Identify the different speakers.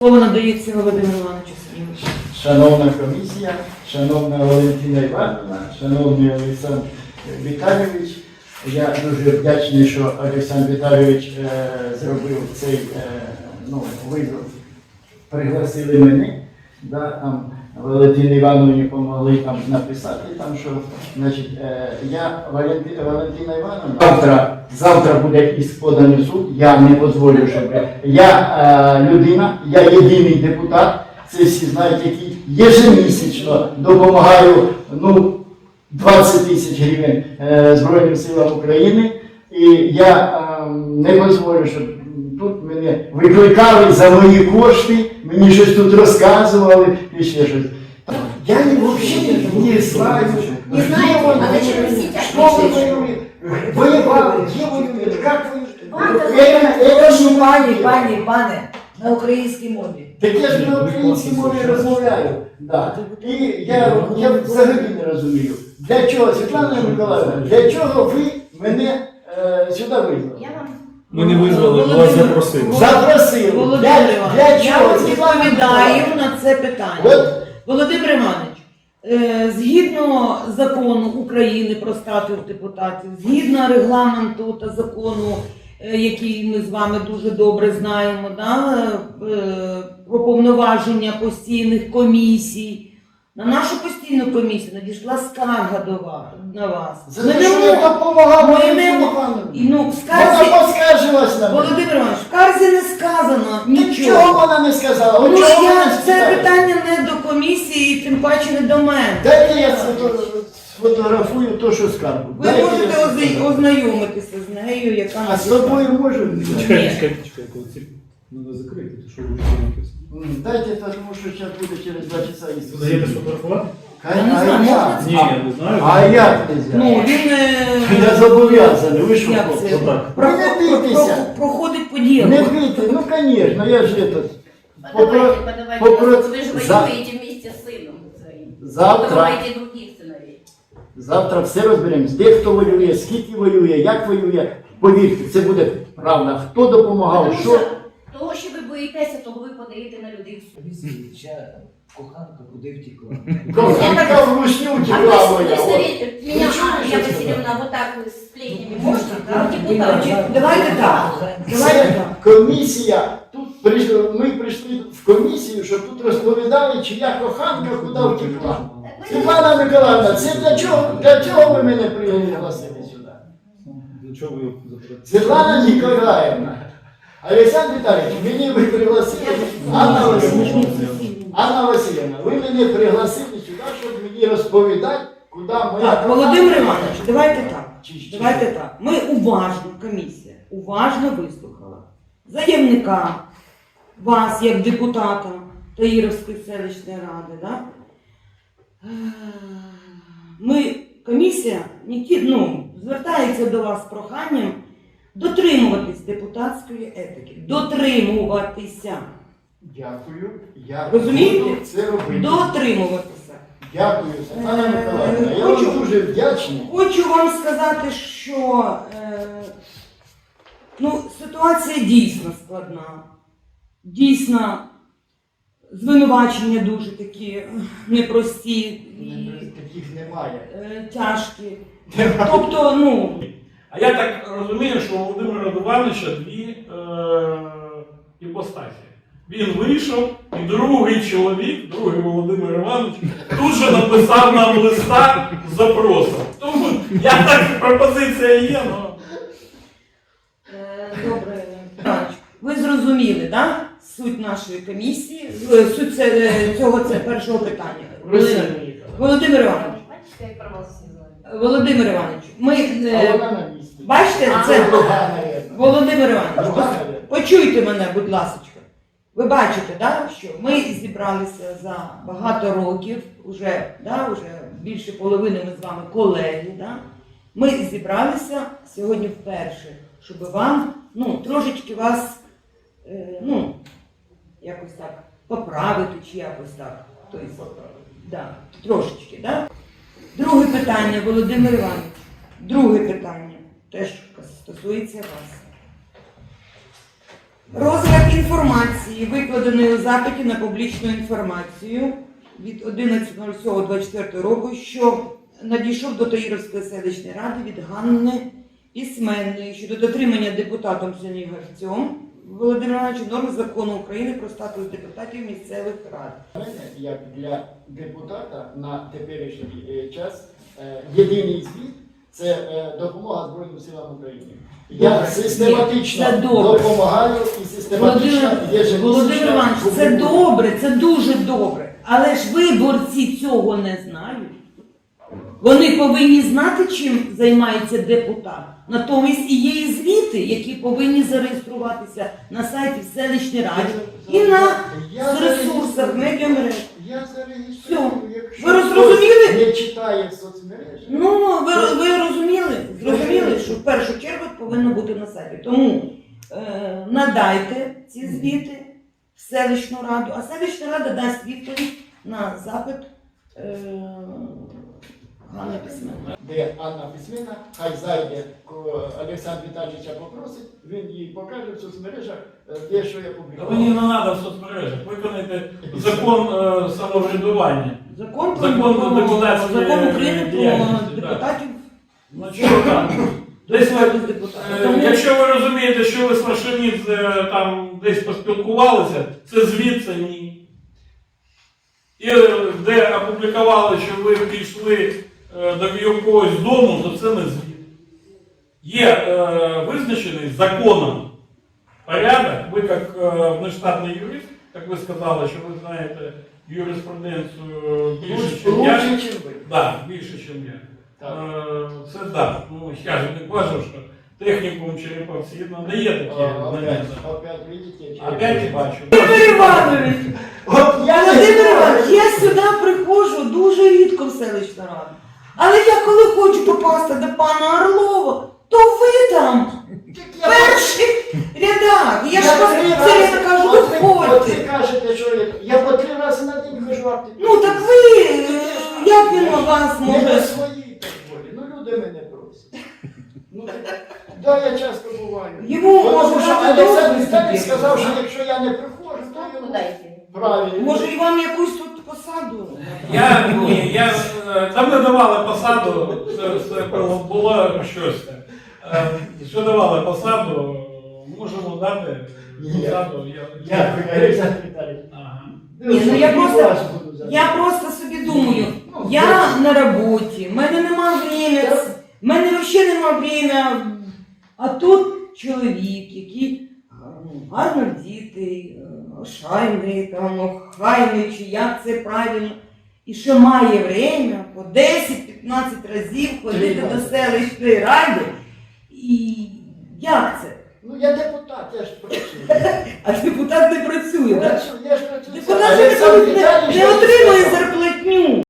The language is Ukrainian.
Speaker 1: Слово надається Володимиру Івановичу Сергійовичу.
Speaker 2: Шановна комісія, шановна Валентина Івановна, шановний Олександр Віталійович, я дуже вдячний, що Олександр Віталійович зробив цей вибір. Пригласили мене, там Валентині Івановні допомогли написати, що, значить, я, Валентина Івановна, завтра буде іск поданий в суд, я не дозволю, щоб я людина, я єдиний депутат, це всі знають, який ежемісячно допомагаю 20 тисяч гривень Збройним силам України, і я не дозволю, щоб тут мене викликали за мої кошти, мені щось тут розказували і ще щось. Я взагалі не знаю.
Speaker 3: Не знаю, а зачем носить
Speaker 2: Что вы воюете? Воевали, где воюют, как
Speaker 3: Пане, на українській мові.
Speaker 2: Так я ж на українській мові розмовляю. Да. І я взагалі не розумію, для чого, Світлана Миколаївна, для чого ви мене сюди визвали?
Speaker 4: Ми не визвали, ми вас запросили.
Speaker 2: Запросили.
Speaker 1: Володимир
Speaker 2: Для
Speaker 1: Іванович, я
Speaker 2: чого?
Speaker 1: вам відповідаю на це питання. Володимир Іванович, згідно закону України про статус депутатів, згідно регламенту та закону, який ми з вами дуже добре знаємо, про повноваження постійних комісій, на нашу постійну комісію надійшла скарга на вас.
Speaker 2: За те, що я допомагав Валентині Івановні.
Speaker 1: Вона
Speaker 2: поскаржилась на мене.
Speaker 1: Володимир Іванович, в скарзі не сказано нічого.
Speaker 2: Чого вона не сказала?
Speaker 1: Це питання не до комісії, і тим паче не до мене.
Speaker 2: Дайте я сфотографую то, що скаргу.
Speaker 1: Ви можете ознайомитися з нею, яка
Speaker 2: А з тобою можу?
Speaker 4: Чекайте, треба закрити, що ви виконуєте.
Speaker 2: Дайте, тому що зараз буде через 2 часа їсти.
Speaker 4: Даєте сфотографувати?
Speaker 1: Я не знаю, можна
Speaker 4: Ні, я не знаю.
Speaker 2: А як нельзя?
Speaker 1: Він
Speaker 2: Я зобов'язаний, ви що?
Speaker 1: як це?
Speaker 4: Отак.
Speaker 1: Проходить поділ.
Speaker 2: Не бийте, звісно, я ж этот.
Speaker 3: Подавайте, вы же воюете вместе с сыном своим.
Speaker 2: Завтра.
Speaker 3: Подавайте других сыновей.
Speaker 2: Завтра все розберемось, де хто воює, скільки воює, як воює. Повірте, це буде правда. Хто допомагав,
Speaker 3: Тому
Speaker 2: що.
Speaker 3: що того, що ви боїтеся, того ви подаєте на людей в суд.
Speaker 5: Коханка куди втекла?
Speaker 2: Коханка в рушню
Speaker 3: А
Speaker 2: текла
Speaker 3: вы
Speaker 2: моя.
Speaker 3: советуете меня,
Speaker 2: Ничего не
Speaker 3: Анна
Speaker 2: слышно.
Speaker 3: Васильевна, вот так с плетнями можно? Да? Депутат.
Speaker 1: Давайте так.
Speaker 2: Це комісія. Тут ми прийшли в комісію, щоб тут розповідали, чия коханка куди втекла. Світлана Миколаївна, це для чого ви мене пригласили сюди?
Speaker 4: Для чого ви запитали?
Speaker 2: Світлана Ніколаївна, Олександр Віталійович, мені ви пригласили, Анна Васильівна, ви мене пригласили сюди, щоб мені розповідати, куди моя
Speaker 1: Так, Володимир Іванович, давайте так. Ми уважно, комісія, уважно вислухала заявника, вас як депутата Таїровської селищної ради. Да? Комісія звертається до вас з проханням дотримуватись депутатської етики. Дотримуватися.
Speaker 2: Дякую, я
Speaker 1: Розумієте?
Speaker 2: буду це робити.
Speaker 1: Дотримуватися.
Speaker 2: Дякую, Світлана Миколаївна, я вам дуже вдячний.
Speaker 1: Хочу вам сказати, що ситуація дійсно складна. Дійсно, звинувачення дуже такі непрості і
Speaker 2: Таких немає.
Speaker 1: тяжкі. Тобто,
Speaker 6: А я так розумію, що у Володимира Івановича дві іпостасі. Він вийшов, і другий чоловік, другий Володимир Іванович, тут же написав нам листа з запросом. Тому я так, пропозиція є, але...
Speaker 1: Добре, ви зрозуміли, так? Суть нашої комісії, суть цього першого питання. Володимир Іванович.
Speaker 3: Бачите, як про вас всі знають.
Speaker 1: Володимир Іванович,
Speaker 2: А вона на місці.
Speaker 1: бачите, це
Speaker 2: Другая.
Speaker 1: Володимир Іванович,
Speaker 2: Другая.
Speaker 1: почуйте мене, будь ласка. Ви бачите, да, що ми зібралися за багато років, вже більше половини ми з вами колеги. Да? Ми зібралися сьогодні вперше, щоб вам трошечки вас якось так поправити чи якось так. Тобто, трошечки. Да? Друге питання, Володимир Іванович. Друге питання теж стосується вас. Розгляд інформації, викладеної у запиті на публічну інформацію від 11.07.24 року, що надійшов до Таїровської селищної ради від Ганни Письменної щодо дотримання депутатом Чернігівцем Володимиром Івановичем норм закону України про статус депутатів місцевих рад.
Speaker 2: Для мене, як для депутата на теперішній час, єдиний звіт – це допомога Збройним силам України. Я систематично
Speaker 1: це добре.
Speaker 2: допомагаю і систематично
Speaker 1: Володимир Іванович, це добре, це дуже добре. Але ж виборці цього не знають. Вони повинні знати, чим займається депутат. Натомість і є і звіти, які повинні зареєструватися на сайті в селищній раді і на ресурсах медіамереж.
Speaker 2: Я зареєструю, якщо
Speaker 1: Ви зрозуміли?
Speaker 2: хтось не читає соцмережі.
Speaker 1: Ну, ви розуміли? Зрозуміли, що в першу чергу повинно бути на сайті. Тому надайте ці звіти в селищну раду, а селищна рада дасть відповідь на запит Ганни Письменної.
Speaker 2: Де Анна Письменна, хай зайде, Олександр Віталійовича попросить, він їй покаже в соцмережах те, що я
Speaker 6: Та
Speaker 2: публікував.
Speaker 6: мені не треба в соцмережах. Виконайте закон самоврядування.
Speaker 1: Закон
Speaker 6: Закон депутатської
Speaker 1: Закон України
Speaker 6: діяльності,
Speaker 1: про депутатів.
Speaker 6: Ну чого так? Десь ви,
Speaker 1: Тому-
Speaker 6: якщо ви розумієте, що ви з Машинідзе там десь поспілкувалися, це звіт, це ні. І де опублікували, що ви пішли до якогось дому, то це не звіт. Є визначений законом порядок, ви як внештатний юрист, як ви сказали, що ви знаєте юриспруденцію більше, ніж я.
Speaker 2: Лучше, чим ви.
Speaker 6: Так, більше, ніж я.
Speaker 2: Так.
Speaker 6: Це так. Ну, я ж не кажу, що технікум Череповці не є такі знання.
Speaker 2: Опять видите,
Speaker 6: Опять бачу.
Speaker 1: Володимир Іванович,
Speaker 2: От я
Speaker 1: Володимир Іванович, я сюди приходжу дуже рідко в селищну раду. Але я коли хочу попасти до пана Орлова, то ви там в перших рядах. Я ж це я кажу,
Speaker 2: От ви
Speaker 1: виходьте.
Speaker 2: кажете, що я по 3 рази на день хожу аптеку.
Speaker 1: Ну так ви, як він у вас
Speaker 2: Не
Speaker 1: може?
Speaker 2: по своїй так волі. Ну люди мене просять. Ну, да, я часто буваю.
Speaker 1: Йому
Speaker 2: Тому
Speaker 1: може
Speaker 2: що
Speaker 1: дати
Speaker 2: Олександр
Speaker 1: дозвіл
Speaker 2: Віталійович
Speaker 1: собі.
Speaker 2: сказав, що якщо я не приходжу, то
Speaker 3: Ставку
Speaker 2: йому
Speaker 3: дайте.
Speaker 2: правильно.
Speaker 1: Може і вам якусь тут посаду?
Speaker 6: Я там не давали посаду, це було щось. Що давали посаду, можемо дати посаду.
Speaker 2: Дякую, Олександр Віталійович.
Speaker 6: Ага.
Speaker 1: Ні, ну я
Speaker 2: І
Speaker 1: просто-
Speaker 2: вас буду за це.
Speaker 1: Я просто собі думаю, я на роботі, в мене нема времени, в мене взагалі нема времени. А тут чоловік, який гарно вдітий, ошайний, там, охайний, чи як це правильно, і ще має время по 10-15 разів ходити до селищної ради. І як це?
Speaker 2: Ну я депутат, я ж працюю.
Speaker 1: А депутат не працює, так?
Speaker 2: Я ж працюю.
Speaker 1: Депутат же
Speaker 2: Олександр
Speaker 1: не
Speaker 2: Віталійович
Speaker 1: отримує
Speaker 2: сказав.
Speaker 1: зарплатню.